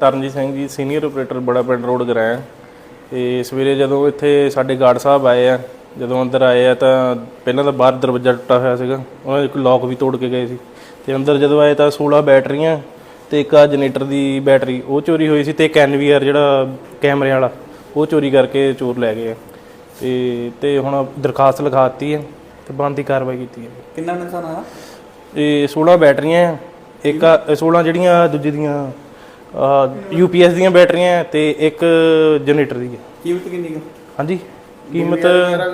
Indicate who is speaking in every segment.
Speaker 1: ਤਰਨਜੀਤ ਸਿੰਘ ਜੀ, senior operator ਬੜਾ ਪਿੰਡ ਰੋਡ ਗਰਾਇਆ। ਤੇ ਸਵੇਰੇ ਜਦੋਂ ਇੱਥੇ ਸਾਡੇ ਗਾਰਡ ਸਾਹਿਬ ਆਏ ਆ, ਜਦੋਂ ਅੰਦਰ ਆਏ ਆ ਤਾਂ ਪਹਿਲਾਂ ਤਾਂ ਬਾਹਰ ਦਰਵਾਜ਼ਾ ਟੁੱਟਾ ਹੋਇਆ ਸੀਗਾ, ਉਹਨਾਂ ਦੇ ਇੱਕ ਲੋਕ ਵੀ ਤੋੜ ਕੇ ਗਏ ਸੀ। ਤੇ ਅੰਦਰ ਜਦੋਂ ਆਏ ਤਾਂ 16 ਬੈਟਰੀਆਂ ਤੇ ਇੱਕ ਆ ਜਨਰੇਟਰ ਦੀ ਬੈਟਰੀ ਉਹ ਚੋਰੀ ਹੋਈ ਸੀ, ਤੇ ਇੱਕ NVR ਜਿਹੜਾ ਕੈਮਰੇ ਵਾਲਾ ਉਹ ਚੋਰੀ ਕਰਕੇ ਚੋਰ ਲੈ ਗਏ ਆ। ਤੇ ਹੁਣ ਦਰਖਾਸਤ ਲਿਖਾ ਦਿੱਤੀ ਹੈ ਤੇ ਬਣਦੀ ਕਾਰਵਾਈ ਕੀਤੀ ਹੈ।
Speaker 2: ਕਿੰਨਾ ਨੁਕਸਾਨ ਆਇਆ?
Speaker 1: ਇਹ 16 ਬੈਟਰੀਆਂ ਆ, ਇੱਕ 16 ਜਿਹੜੀਆਂ ਦੂਜੀ ਦੀਆਂ UPS ਦੀਆਂ ਬੈਟਰੀਆਂ ਤੇ ਇੱਕ ਜਨਰੇਟਰ ਦੀ ਹੈ।
Speaker 2: ਕੀਮਤ ਕਿੰਨੀ ਹੈ?
Speaker 1: ਹਾਂਜੀ, ਕੀਮਤ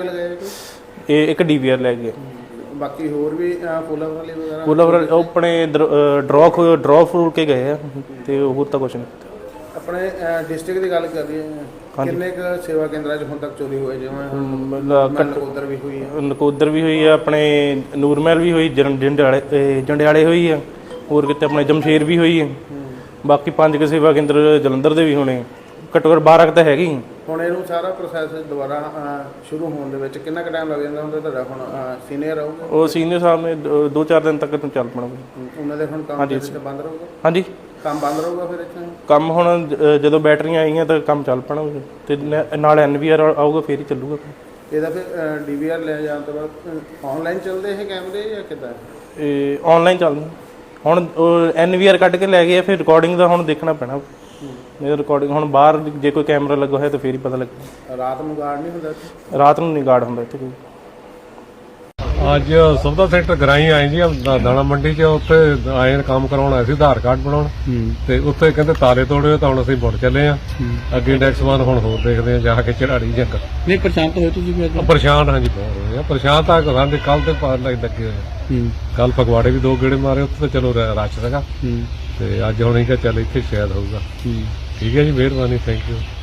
Speaker 1: ਇਹ ਇੱਕ DVR ਲੈ ਗਏ।
Speaker 2: ਬਾਕੀ ਹੋਰ ਵੀ ਫੁੱਲਾਂ ਵਾਲੇ ਵਗੈਰਾ
Speaker 1: ਫੁੱਲ ਉਹ ਆਪਣੇ ਡਰੋ ਫਰੂਟ ਕੇ ਗਏ ਆ ਤੇ ਹੋਰ ਤਾਂ ਕੁਛ ਨਹੀਂ।
Speaker 2: ਆਪਣੇ ਡਿਸਟ੍ਰਿਕਟ ਦੀ ਗੱਲ ਕਰ ਰਹੀ ਹੈ, ਕਿੰਨੇ ਕੁ ਸੇਵਾ ਕੇਂਦਰਾਂ 'ਚ ਹੁਣ ਤੱਕ ਚੋਰੀ ਹੋਏ? ਜਿਵੇਂ ਨਕੋਦਰ ਵੀ ਹੋਈ ਹੈ,
Speaker 1: ਨਕੋਦਰ ਵੀ ਹੋਈ ਆ, ਆਪਣੇ ਨੂਰਮਹਿਲ ਵੀ ਹੋਈ, ਜੰਡਿਆਲੇ ਹੋਈ ਆ, ਹੋਰ ਕਿਤੇ ਆਪਣੇ ਜਮਸ਼ੇਰ ਵੀ ਹੋਈ ਹੈ। ਬਾਕੀ 5 ਸੇਵਾ ਕੇਂਦਰ ਜਲੰਧਰ ਦੇ ਵੀ ਹੋਣੇ, ਘੱਟੋ ਘੱਟ 12 ਤਾਂ ਹੈਗੇ ਹੀ।
Speaker 2: ਹੁਣ ਇਹਨੂੰ ਸਾਰਾ ਪ੍ਰੋਸੈਸ ਦੁਬਾਰਾ ਸ਼ੁਰੂ ਹੋਣ ਦੇ ਵਿੱਚ ਕਿੰਨਾ ਕੁ ਟਾਈਮ ਲੱਗ ਜਾਂਦਾ ਹੁੰਦਾ? ਤੁਹਾਡਾ ਹੁਣ ਸੀਨੀਅਰ ਆਊਗਾ,
Speaker 1: ਉਹ ਸੀਨੀਅਰ ਸਾਹਿਬ ਨੇ 2-4 ਦਿਨ ਤੱਕ ਚੱਲ ਪੈਣਾ।
Speaker 2: ਉਹਨਾਂ ਦੇ ਹੁਣ ਕੰਮ ਬੰਦ ਰਹੂਗਾ?
Speaker 1: ਹਾਂਜੀ,
Speaker 2: ਕੰਮ ਬੰਦ ਰਹੂਗਾ ਫਿਰ ਇੱਥੇ?
Speaker 1: ਕੰਮ ਹੁਣ ਜਦੋਂ ਬੈਟਰੀਆਂ ਆਈਆਂ ਤਾਂ ਕੰਮ ਚੱਲ ਪੈਣਾ ਤੇ ਨਾਲ NVR ਆਊਗਾ ਫੇਰ ਹੀ ਚੱਲੂਗਾ।
Speaker 2: ਇਹਦਾ ਫਿਰ DVR ਲੈ ਜਾਣ ਤੋਂ ਬਾਅਦ ਆਨਲਾਈਨ ਚੱਲਦੇ ਇਹ ਕੈਮਰੇ ਜਾਂ ਕਿੱਦਾਂ?
Speaker 1: ਇਹ ਆਨਲਾਈਨ ਚੱਲਦਾ। ਹੁਣ NVR ਕੱਢ ਕੇ ਲੈ ਗਏ, ਫਿਰ ਰਿਕਾਰਡਿੰਗ ਦਾ ਹੁਣ ਦੇਖਣਾ ਪੈਣਾ। ਇਹ ਰਿਕਾਰਡਿੰਗ ਹੁਣ ਬਾਹਰ ਜੇ ਕੋਈ ਕੈਮਰਾ ਲੱਗਾ ਹੋਇਆ ਤਾਂ ਫੇਰ ਹੀ ਪਤਾ ਲੱਗਦਾ।
Speaker 2: ਰਾਤ ਨੂੰ ਗਾਰਡ ਨਹੀਂ ਹੁੰਦਾ?
Speaker 1: ਰਾਤ ਨੂੰ ਨਹੀਂ ਗਾਰਡ ਹੁੰਦਾ ਇੱਥੇ ਕੋਈ।
Speaker 3: ਅੱਜ ਸੁਵਿਧਾ ਸੈਂਟਰ ਗਰਾਈ ਆਏ ਜੀ, ਦਾਣਾ ਮੰਡੀ 'ਚ। ਉੱਥੇ ਆਏ ਕੰਮ ਕਰਾਉਣ ਆਏ ਸੀ, ਆਧਾਰ ਕਾਰਡ ਬਣਾਉਣ, ਤੇ ਉੱਥੇ ਕਹਿੰਦੇ ਤਾਲੇ ਤੋੜੇ ਤਾਂ ਹੁਣ ਅਸੀਂ ਮੁੜ ਚੱਲੇ ਆ ਅੱਗੇ। ਨੈਕਸਟ ਵਾਰ ਹੁਣ ਹੋਰ ਦੇਖਦੇ ਆ ਜਾ ਕੇ ਚੜਾੜੀ ਜੰਗ।
Speaker 2: ਨਹੀਂ ਪਰੇਸ਼ਾਨ ਤਾਂ ਹੋਏ ਤੁਸੀਂ ਵੀ ਅੱਜ?
Speaker 3: ਪਰੇਸ਼ਾਨ ਹਾਂਜੀ, ਬਹੁਤ ਹੋਏ ਆ ਪਰੇਸ਼ਾਨ। ਤਾਂ ਸਾਡੇ ਕੱਲ ਤੇ ਲੱਗੇ ਹੋਏ, ਕੱਲ ਫਗਵਾੜੇ ਵੀ 2 ਗੇੜੇ ਮਾਰੇ, ਉੱਥੇ ਤਾਂ ਚਲੋ ਰਸ਼ ਸੀਗਾ। ਤੇ ਅੱਜ ਹੁਣ ਅਸੀਂ ਕਿਹਾ ਚੱਲ ਇੱਥੇ ਸ਼ਾਇਦ ਹੋਊਗਾ। ਠੀਕ ਹੈ ਜੀ, ਮਿਹਰਬਾਨੀ, ਥੈਂਕ ਯੂ।